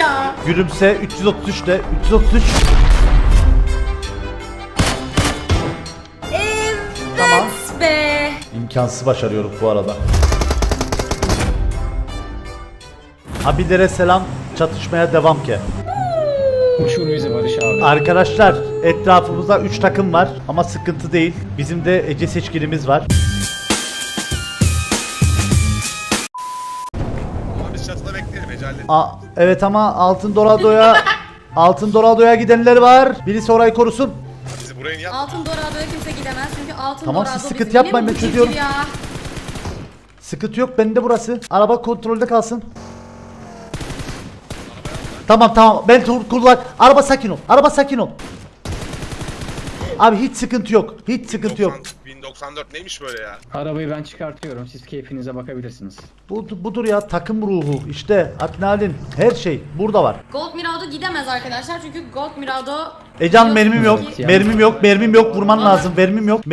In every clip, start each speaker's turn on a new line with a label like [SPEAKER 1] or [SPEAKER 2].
[SPEAKER 1] ya.
[SPEAKER 2] Gülümse 333 de 333.
[SPEAKER 1] Evet
[SPEAKER 2] Tamam.
[SPEAKER 1] be.
[SPEAKER 2] İmkansız başarıyoruz bu arada. Abilere selam, çatışmaya devam ki.
[SPEAKER 3] Uçur bizi Barış abi.
[SPEAKER 2] Arkadaşlar etrafımızda 3 takım var ama sıkıntı değil. Bizim de Ece seçkinimiz var.
[SPEAKER 4] Ama biz çatıda bekleyelim Ecal'le.
[SPEAKER 2] Evet ama Altın Dorado'ya gidenler var. Birisi orayı korusun.
[SPEAKER 4] Bizi buraya niye
[SPEAKER 1] Altın Dorado'ya kimse gidemez çünkü Altın
[SPEAKER 2] Tamam,
[SPEAKER 1] Dorado
[SPEAKER 2] siz sıkıntı
[SPEAKER 1] bizim
[SPEAKER 2] yapmayın,
[SPEAKER 1] yine
[SPEAKER 2] ben
[SPEAKER 1] mi
[SPEAKER 2] çözüyorum.
[SPEAKER 1] ya?
[SPEAKER 2] Sıkıntı yok, bende burası. Araba kontrolde kalsın. Tamam ben kullan. Araba sakin ol. Araba sakin ol. Abi hiç sıkıntı yok. Hiç sıkıntı yok.
[SPEAKER 4] 1094 neymiş böyle ya?
[SPEAKER 3] Arabayı ben çıkartıyorum. Siz keyfinize bakabilirsiniz.
[SPEAKER 2] Budur ya, takım ruhu. İşte adrenalin, her şey burada var.
[SPEAKER 1] Gold Mirado gidemez arkadaşlar çünkü Gold Mirado...
[SPEAKER 2] Ecan mermim yok.
[SPEAKER 1] biliyorsunuz ki-
[SPEAKER 2] Mermim yok. Vurman lazım. Mermim yok.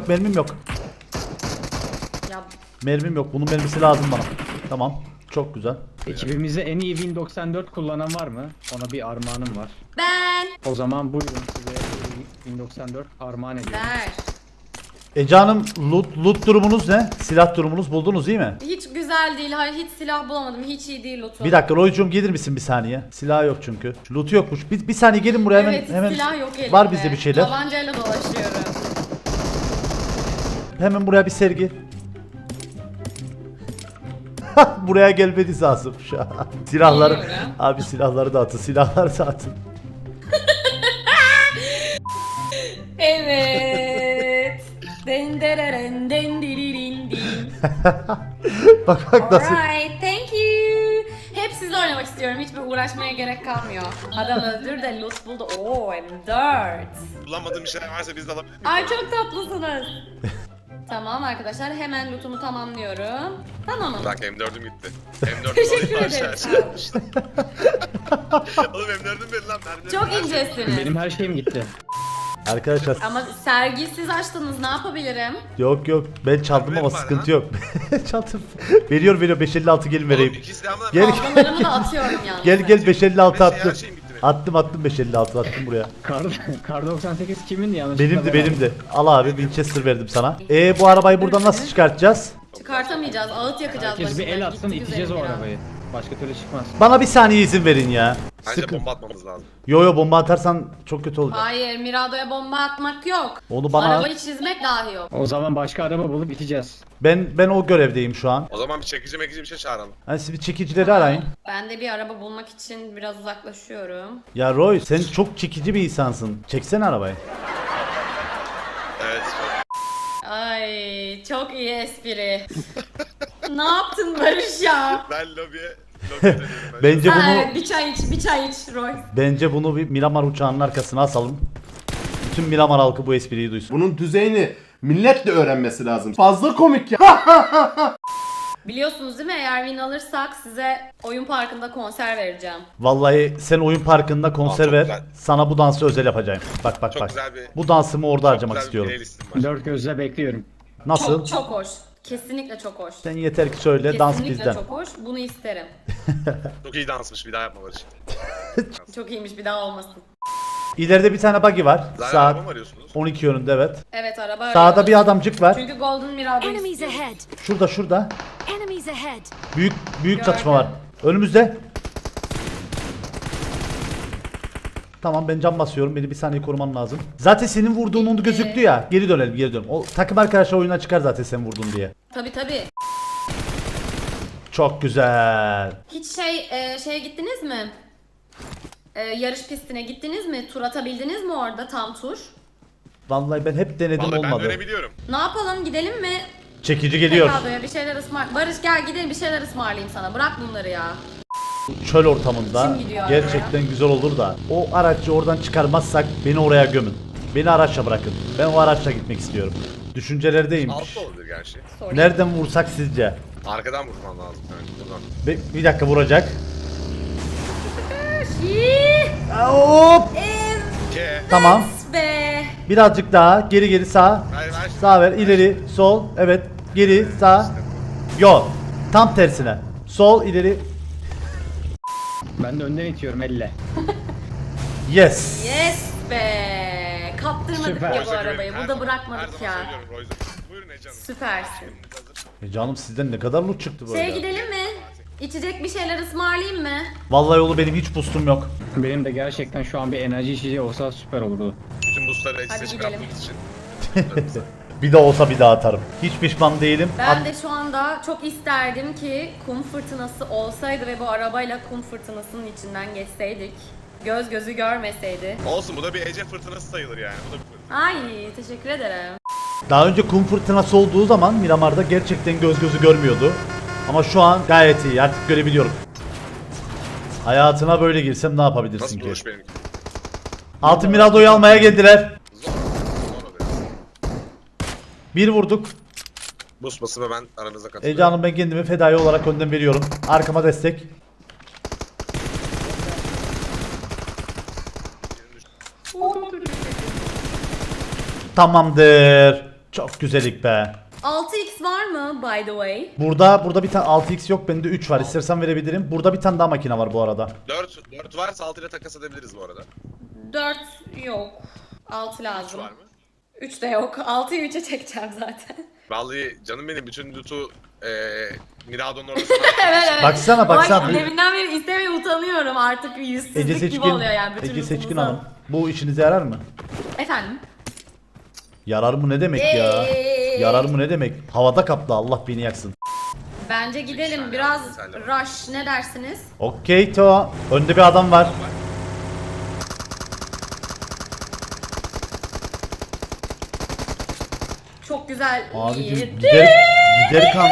[SPEAKER 1] Ya
[SPEAKER 2] Mermim yok. Bunun mermisi lazım bana. Tamam. Çok güzel.
[SPEAKER 3] Ekibimizde en iyi Win 94 kullanan var mı? Ona bir armağanım var.
[SPEAKER 1] ben...
[SPEAKER 3] O zaman buyurun size Win 94 armağan ediyorum.
[SPEAKER 1] Ver.
[SPEAKER 2] Ecan'ım loot durumunuz ne? Silah durumunuz buldunuz değil mi?
[SPEAKER 1] Hiç güzel değil. Hayır hiç silah bulamadım. Hiç iyi değil lootu.
[SPEAKER 2] Bir dakika Roycuğum, gelir misin bir saniye? Silah yok çünkü. Loot yokmuş. Bir saniye gelin buraya hemen.
[SPEAKER 1] Evet hiç silah yok elimde.
[SPEAKER 2] Var bizde bir şeyler.
[SPEAKER 1] Tabancayla dolaşıyorum.
[SPEAKER 2] Hemen buraya bir sergi. Buraya gelmeniz lazım şu an. Silahları.
[SPEAKER 1] Geliyorum.
[SPEAKER 2] Abi silahları dağıtın. Silahları dağıtın.
[SPEAKER 1] Evet. Dendereren dendiririn din.
[SPEAKER 2] Bak nasıl.
[SPEAKER 1] Alright, thank you. Hep sizle oynamak istiyorum. Hiçbir uğraşmaya gerek kalmıyor. Adam öldür de loot buldu. Oo, M4.
[SPEAKER 4] Kullanmadığım bir şeyler varsa biz de alabiliriz.
[SPEAKER 1] Ay çok tatlısınız. Tamam arkadaşlar hemen lootumu tamamlıyorum. Tamamım.
[SPEAKER 4] Bak M4'üm gitti. M4'üm
[SPEAKER 1] Teşekkür
[SPEAKER 4] alayım
[SPEAKER 1] ederim.
[SPEAKER 4] aşağı. Oğlum M4'üm benim lan. mermilerim
[SPEAKER 1] Çok
[SPEAKER 4] var.
[SPEAKER 1] incesiniz.
[SPEAKER 3] Benim her şeyim gitti.
[SPEAKER 2] Arkadaşlar
[SPEAKER 1] Ama sergiyi siz açtınız, ne yapabilirim?
[SPEAKER 2] yok ben çaldım ama
[SPEAKER 4] Mermilerim var
[SPEAKER 2] sıkıntı
[SPEAKER 4] ha.
[SPEAKER 2] yok. Çaldım. Veriyor 556 gelin
[SPEAKER 4] Oğlum
[SPEAKER 2] vereyim.
[SPEAKER 4] iki silahımla
[SPEAKER 2] Gel.
[SPEAKER 1] Fazlalarımı da atıyorum yalnız.
[SPEAKER 2] Gel 556
[SPEAKER 4] Her
[SPEAKER 2] attım.
[SPEAKER 4] şeyim bitti benim.
[SPEAKER 2] Attım 556 attım buraya.
[SPEAKER 3] Kar 98 kimindi yanlışlıkla?
[SPEAKER 2] Benimdi. Al abi Winchester verdim sana. Bu arabayı buradan nasıl çıkartacağız?
[SPEAKER 1] Çıkartamayacağız, ağıt yakacağız
[SPEAKER 3] Herkes bir
[SPEAKER 1] başına.
[SPEAKER 3] el atsın,
[SPEAKER 1] Gitti
[SPEAKER 3] iteceğiz o
[SPEAKER 1] güzelim ya.
[SPEAKER 3] arabayı. Başka türlü çıkmaz.
[SPEAKER 2] Bana bir saniye izin verin ya.
[SPEAKER 4] Bence
[SPEAKER 2] Sıkın.
[SPEAKER 4] bomba atmamız lazım.
[SPEAKER 2] Yo bomba atarsan çok kötü olacak.
[SPEAKER 1] Hayır, Mirado'ya bomba atmak yok.
[SPEAKER 2] Onu bana
[SPEAKER 1] Arabayı çizmek dahi yok.
[SPEAKER 3] O zaman başka araba bulup iteceğiz.
[SPEAKER 2] ben o görevdeyim şu an.
[SPEAKER 4] O zaman bir çekici mekici bir şey çağıralım.
[SPEAKER 2] Hani siz bir çekicileri arayın.
[SPEAKER 1] Ben de bir araba bulmak için biraz uzaklaşıyorum.
[SPEAKER 2] Ya Roy sen çok çekici bir insansın. Çeksene arabayı.
[SPEAKER 4] Evet.
[SPEAKER 1] Ay çok iyi espri. Ne yaptın Barış ya?
[SPEAKER 4] Ben lobiye dönüyorum.
[SPEAKER 2] Bence
[SPEAKER 1] Ha,
[SPEAKER 2] bunu
[SPEAKER 1] evet, bir çay iç Roy.
[SPEAKER 2] bir Miramar uçağının arkasına asalım. Bütün Miramar halkı bu espriyi duysun.
[SPEAKER 5] Bunun düzeyini millet de öğrenmesi lazım. Fazla komik ya.
[SPEAKER 1] Biliyorsunuz değil mi, eğer win alırsak size oyun parkında konser vereceğim.
[SPEAKER 2] Vallahi sen oyun parkında konser
[SPEAKER 4] çok
[SPEAKER 2] ver.
[SPEAKER 4] güzel.
[SPEAKER 2] Sana bu dansı özel yapacağım. Bak.
[SPEAKER 4] Çok güzel bir-
[SPEAKER 2] Bu dansımı orada harcamak
[SPEAKER 4] Güzel bir
[SPEAKER 2] istiyorum.
[SPEAKER 4] playlistim var.
[SPEAKER 3] Dört gözle bekliyorum.
[SPEAKER 2] Nasıl?
[SPEAKER 1] Çok çok hoş. Kesinlikle çok hoş.
[SPEAKER 2] Sen yeter ki söyle, dans
[SPEAKER 1] Kesinlikle
[SPEAKER 2] bizden.
[SPEAKER 1] çok hoş. Bunu isterim.
[SPEAKER 4] Çok iyi dansmış, bir daha yapma Barış.
[SPEAKER 1] Çok iyiymiş, bir daha olmasın.
[SPEAKER 2] İleride bir tane buggy var.
[SPEAKER 4] Zaten araba
[SPEAKER 2] Saat
[SPEAKER 4] mı arıyorsunuz?
[SPEAKER 2] 12 yönünde evet.
[SPEAKER 1] Evet, araba
[SPEAKER 2] Sağda
[SPEAKER 1] arıyoruz.
[SPEAKER 2] bir adamcık var.
[SPEAKER 1] Çünkü Golden Mirado
[SPEAKER 6] Enemies
[SPEAKER 1] istiyoruz.
[SPEAKER 6] ahead.
[SPEAKER 2] Şurada.
[SPEAKER 6] Enemies ahead.
[SPEAKER 2] Büyük çatışma var. Önümüzde. Tamam ben cam basıyorum. Beni bir saniye koruman lazım. Zaten senin vurduğun onu gözüktü ya. Geri dönelim. O takım arkadaşlar oyuna çıkar zaten sen vurdun diye.
[SPEAKER 1] Tabii.
[SPEAKER 2] Çok güzel.
[SPEAKER 1] Hiç şeye gittiniz mi? Yarış pistine gittiniz mi? Tur atabildiniz mi orada tam tur?
[SPEAKER 2] Vallahi ben hep denedim
[SPEAKER 4] Vallahi ben
[SPEAKER 2] olmadı.
[SPEAKER 4] dönebiliyorum.
[SPEAKER 1] Ne yapalım, gidelim mi?
[SPEAKER 2] Çekici geliyor.
[SPEAKER 1] Tekrardoya bir şeyler Barış gel gidelim, bir şeyler ısmarlayayım sana. Bırak bunları ya.
[SPEAKER 2] Çöl ortamında
[SPEAKER 1] Kim gidiyor
[SPEAKER 2] gerçekten güzel olur da o aracı oradan çıkarmazsak beni oraya gömün. Beni araçla bırakın. Ben o araçla gitmek istiyorum. Düşüncelerdeyim.
[SPEAKER 4] Altta olabilir gerçi.
[SPEAKER 1] Sorry.
[SPEAKER 2] Nereden vursak sizce?
[SPEAKER 4] Arkadan vurman lazım. Yani buradan.
[SPEAKER 2] Bir dakika vuracak.
[SPEAKER 1] İyi.
[SPEAKER 2] Hop.
[SPEAKER 4] Ke.
[SPEAKER 2] Tamam.
[SPEAKER 1] Be.
[SPEAKER 2] Birazcık daha geri sağ.
[SPEAKER 4] Ver.
[SPEAKER 2] Sağ ver, ileri, sol. Evet. Geri, sağ. Yok. Tam tersine. Sol, ileri.
[SPEAKER 3] Ben de önden itiyorum elle.
[SPEAKER 2] Yes.
[SPEAKER 1] Yes be. Kaptırmadık
[SPEAKER 3] Süper.
[SPEAKER 1] ya bu
[SPEAKER 4] Royce'a
[SPEAKER 1] arabayı.
[SPEAKER 4] güvenin, her
[SPEAKER 1] Burada
[SPEAKER 4] zaman-
[SPEAKER 1] bırakmadık
[SPEAKER 4] her
[SPEAKER 1] ya.
[SPEAKER 4] zaman söylüyorum Royce'a. Buyurun Ece Hanım.
[SPEAKER 1] Süpersin.
[SPEAKER 4] Hazır.
[SPEAKER 2] Canım sizden ne kadar loot çıktı böyle.
[SPEAKER 1] Şeye gidelim mi? İçecek bir şeyler ısmarlayayım mı?
[SPEAKER 2] Vallahi yolu benim hiç boostum yok.
[SPEAKER 3] Benim de gerçekten şu an bir enerji içeceği olsa süper olurdu.
[SPEAKER 4] Bütün boostları
[SPEAKER 1] Hadi
[SPEAKER 4] eksik
[SPEAKER 1] gidelim.
[SPEAKER 4] çıkartmak için.
[SPEAKER 2] Bir de olsa bir daha atarım. Hiç pişman değilim.
[SPEAKER 1] Ben de şu anda çok isterdim ki kum fırtınası olsaydı ve bu arabayla kum fırtınasının içinden geçseydik. Göz gözü görmeseydi.
[SPEAKER 4] Olsun, bu da bir Ece fırtınası sayılır yani. Bu da bir fırtına.
[SPEAKER 1] Ay teşekkür ederim.
[SPEAKER 2] Daha önce kum fırtınası olduğu zaman Miramar'da gerçekten göz gözü görmüyordu. Ama şu an gayet iyi, artık görebiliyorum. Hayatına böyle girsem ne yapabilirsin
[SPEAKER 4] Nasıl
[SPEAKER 2] ki?
[SPEAKER 4] buluş benimki?
[SPEAKER 2] Altın Mirado'yu almaya geldiler.
[SPEAKER 4] Zor. Zor oluyor.
[SPEAKER 2] Bir vurduk.
[SPEAKER 4] Boost basımı ben aranıza
[SPEAKER 2] Ece
[SPEAKER 4] katılıyorum.
[SPEAKER 2] Hanım, ben kendimi fedai olarak önden veriyorum. Arkama destek. Tamamdır. Çok güzellik be.
[SPEAKER 1] 6x var mı by the way?
[SPEAKER 2] Burada bir tane 6x yok, bende 3 var. İstersen verebilirim. Burada bir tane daha makine var bu arada.
[SPEAKER 4] 4 varsa 6 ile takas edebiliriz bu arada.
[SPEAKER 1] 4 yok. 6
[SPEAKER 4] 3
[SPEAKER 1] lazım.
[SPEAKER 4] var mı?
[SPEAKER 1] 3 de yok. 6'yı 3'e çekeceğim zaten.
[SPEAKER 4] Vallahi canım benim, bütün loot'u Mirado'nun orada
[SPEAKER 1] Evet evet.
[SPEAKER 2] Baksana, baksana.
[SPEAKER 1] Ay, deminden beri istemeye utanıyorum artık, bir
[SPEAKER 2] Ece
[SPEAKER 1] yüzsüzlük gibi
[SPEAKER 2] Seçkin,
[SPEAKER 1] oluyor yani bütün
[SPEAKER 2] Ece Seçkin
[SPEAKER 1] lootumuzu.
[SPEAKER 2] Hanım. Bu işinize yarar mı?
[SPEAKER 1] Efendim?
[SPEAKER 2] Yarar mı ne demek ya? Yarar mı ne demek? Havada kaplı, Allah beni yaksın.
[SPEAKER 1] Bence gidelim
[SPEAKER 4] saniye,
[SPEAKER 1] biraz
[SPEAKER 4] bir saniye.
[SPEAKER 1] rush, ne dersiniz?
[SPEAKER 2] Okey to. Önde bir adam var.
[SPEAKER 1] Çok güzel.
[SPEAKER 2] Abicim
[SPEAKER 1] iyi.
[SPEAKER 2] gider kan.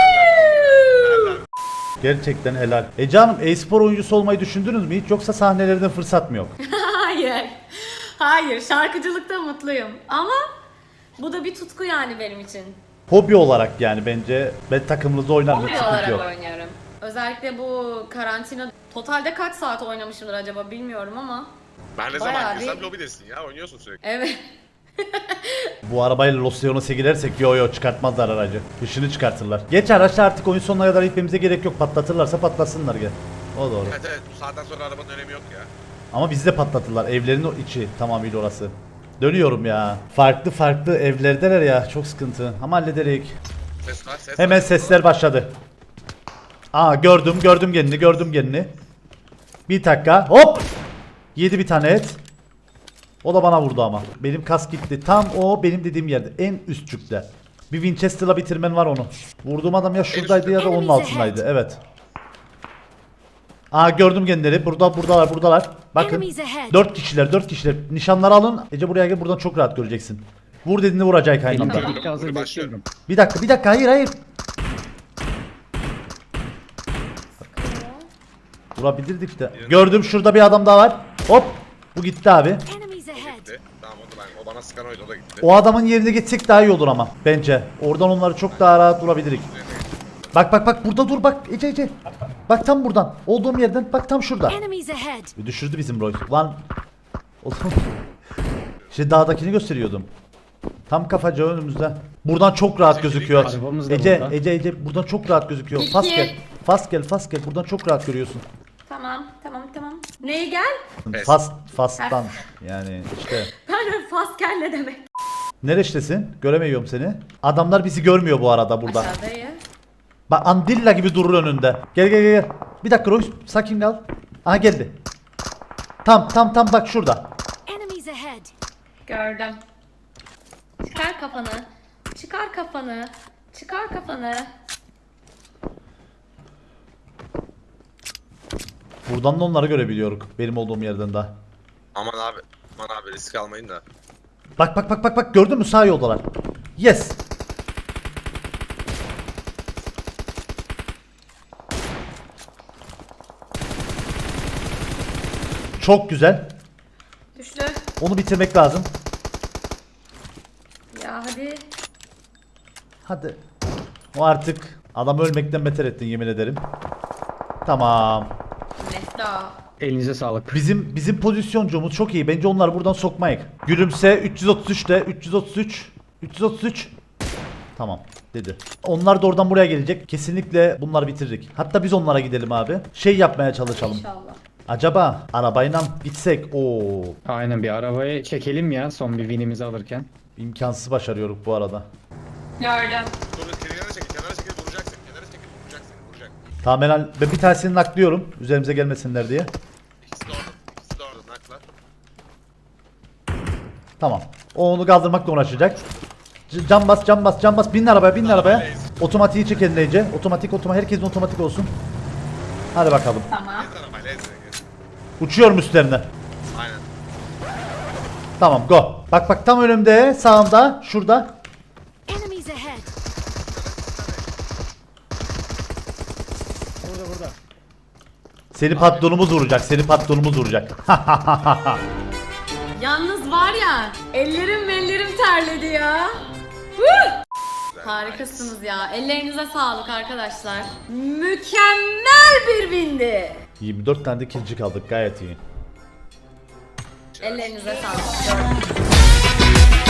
[SPEAKER 2] Gerçekten helal. Ece Hanım, e-spor oyuncusu olmayı düşündünüz mü hiç, yoksa sahnelerden fırsat mı yok?
[SPEAKER 1] Hayır. Hayır, şarkıcılıkta mutluyum ama bu da bir tutku yani benim için.
[SPEAKER 2] Hobi olarak yani, bence ben takımınızda oynarım, hiç
[SPEAKER 1] Hobi
[SPEAKER 2] sıkıntı
[SPEAKER 1] olarak
[SPEAKER 2] yok.
[SPEAKER 1] oynuyorum. Özellikle bu karantina, totalde kaç saat oynamışımdır acaba bilmiyorum ama.
[SPEAKER 4] Ben ne
[SPEAKER 1] Bayağı
[SPEAKER 4] zaman
[SPEAKER 1] bir-
[SPEAKER 4] girsem lobidesin ya, oynuyorsun sürekli.
[SPEAKER 1] Evet.
[SPEAKER 2] Bu arabayla Los Leones'e girersek yo çıkartmazlar aracı. Dışını çıkartırlar. Geç araçla artık oyun sonuna kadar gitmemize gerek yok. Patlatırlarsa patlasınlar gel. O doğru.
[SPEAKER 4] Evet evet, bu saatten sonra arabanın önemi yok ya.
[SPEAKER 2] Ama bizi de patlatırlar. Evlerin içi tamamıyla orası. Dönüyorum ya. Farklı evlerdeler ya. Çok sıkıntı. Ama hallederek.
[SPEAKER 4] Ses var, ses
[SPEAKER 2] Hemen
[SPEAKER 4] var.
[SPEAKER 2] sesler başladı. Aa, gördüm kendini. Bir dakika. Hop! Yedi bir tane et. O da bana vurdu ama. Benim kas gitti. Tam o benim dediğim yerde. En üstçükte. Bir Winchester'la bitirmen var onu. Vurduğum adam ya şuradaydı ya da onun altındaydı. Evet. Aa, gördüm kendileri. Buradalar. Bakın.
[SPEAKER 6] Enemies ahead.
[SPEAKER 2] 4 kişiler. Nişanları alın. Ece buraya gel, buradan çok rahat göreceksin. Vur dediğinde vuracak aynı
[SPEAKER 3] Benim
[SPEAKER 2] anda.
[SPEAKER 3] birlikte hazır
[SPEAKER 4] Başlıyorum.
[SPEAKER 3] bekliyorum.
[SPEAKER 2] Bir dakika. Hayır. Vurabilirdik de. Gördüm, şurada bir adam daha var. Hop. Bu gitti abi.
[SPEAKER 6] Enemies ahead.
[SPEAKER 4] Gitti. Tamam, o da ben. O bana sıkan oydu, o da gitti.
[SPEAKER 2] O adamın yerine geçsek daha iyi olur ama bence. Oradan onları çok daha rahat vurabilirik. Bak burada dur bak Ece. Bak tam buradan. Olduğum yerden bak, tam şurada.
[SPEAKER 6] Enemies ahead.
[SPEAKER 2] Düşürdü bizim Roy. Lan. Oğlum. İşte dağdakini gösteriyordum. Tam kafaca önümüzde. Buradan çok rahat gözüküyor.
[SPEAKER 3] Arabamız da
[SPEAKER 2] Ece,
[SPEAKER 3] burada.
[SPEAKER 2] Ece buradan çok rahat gözüküyor.
[SPEAKER 1] İki.
[SPEAKER 2] Fast gel. Buradan çok rahat görüyorsun.
[SPEAKER 1] Tamam. Neye gel?
[SPEAKER 4] Pes.
[SPEAKER 2] Fast'tan yani işte.
[SPEAKER 1] Ben de fast gel ne demek?
[SPEAKER 2] Neredesin? Göremiyorum seni. Adamlar bizi görmüyor bu arada burada.
[SPEAKER 1] Aşağıdayım.
[SPEAKER 2] Bak Andilla gibi durur önünde. Gel. Bir dakika Roy, sakin kal. Aha geldi. Tam bak şurada.
[SPEAKER 6] Enemies ahead.
[SPEAKER 1] Gördüm. Çıkar kafanı.
[SPEAKER 2] Buradan da onları görebiliyoruz. Benim olduğum yerden daha.
[SPEAKER 4] Aman abi risk almayın da.
[SPEAKER 2] Bak gördün mü, sağ yoldalar. Yes. Çok güzel.
[SPEAKER 1] Düştü.
[SPEAKER 2] Onu bitirmek lazım.
[SPEAKER 1] Ya hadi.
[SPEAKER 2] Hadi. O artık adamı ölmekten beter ettin, yemin ederim. Tamam.
[SPEAKER 1] Nefta.
[SPEAKER 3] Elinize sağlık.
[SPEAKER 2] Bizim pozisyoncumuz çok iyi. Bence onları buradan sokmayık. Gülümse 333'te 333. Tamam. dedi. Onlar da oradan buraya gelecek. Kesinlikle bunları bitiririk. Hatta biz onlara gidelim abi. Şey yapmaya çalışalım.
[SPEAKER 1] İnşallah.
[SPEAKER 2] Acaba arabayla gitsek o
[SPEAKER 3] Aynen bir arabayı çekelim ya son bir winimizi alırken.
[SPEAKER 2] imkansız başarıyoruz bu arada.
[SPEAKER 1] Gördüm.
[SPEAKER 4] Dur kenara çekil, kenara çekil vuracaksın. Kenara çekil vuracaksın, vuracak.
[SPEAKER 2] Tamam ben bir tanesini naklıyorum. Üzerimize gelmesinler diye.
[SPEAKER 4] İkisi de orada, ikisi de orada naklar.
[SPEAKER 2] Tamam. O onu kaldırmakla uğraşacak. Can bas, can bas, can bas. Binin arabaya, binin arabaya. Otomatiği çek eline iyice. Otomatik, herkesin otomatik olsun. Hadi bakalım.
[SPEAKER 1] Tamam.
[SPEAKER 4] Ez arabayla ez.
[SPEAKER 2] Uçuyorum üstlerine.
[SPEAKER 4] Aynen.
[SPEAKER 2] Tamam, go. Bak bak tam önümde, sağımda, şurada.
[SPEAKER 6] Enemies ahead.
[SPEAKER 3] Burada.
[SPEAKER 2] Seni patronumuz vuracak, seni patronumuz vuracak.
[SPEAKER 1] Yalnız var ya, ellerim terledi ya. Huh! Harikasınız ya. Ellerinize sağlık arkadaşlar. Mükemmel bir bindi.
[SPEAKER 2] 24 tane de kilci kaldık, gayet iyi.
[SPEAKER 1] Ellerinize sağlık.